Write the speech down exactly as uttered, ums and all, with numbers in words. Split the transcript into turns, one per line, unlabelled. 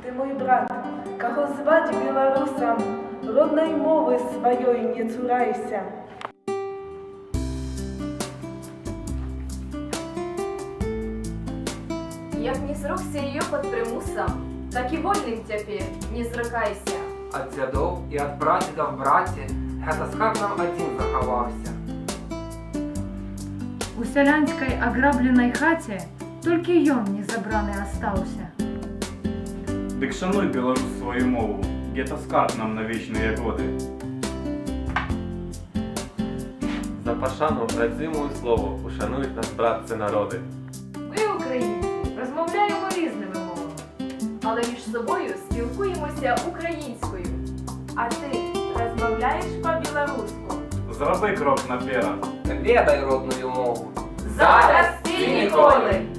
Ты мой брат, кого звать белорусом, родной мовы своей не цурайся.
Як не зрокся ее под примусом, так і вольним тепер не зрыкайся.
Ад дзядоў і ад прадзедаў браці гэта скарб нам адзін захаваўся.
У сялянскай аграбленай хаце толькі ён не забраны астаўся.
Дык шануй, беларус, сваю мову, гэта скарб нам на вечныя годы.
За пашану радзімую слову ушанують нас, братці, народи.
Ми, українці, розмовляємо різними мовами, але між собою спілкуємося українською.
А ты размовляешь по-белорусски?
Зроби крок наперад.
Ведай родную мову.
Зараз і ніколи!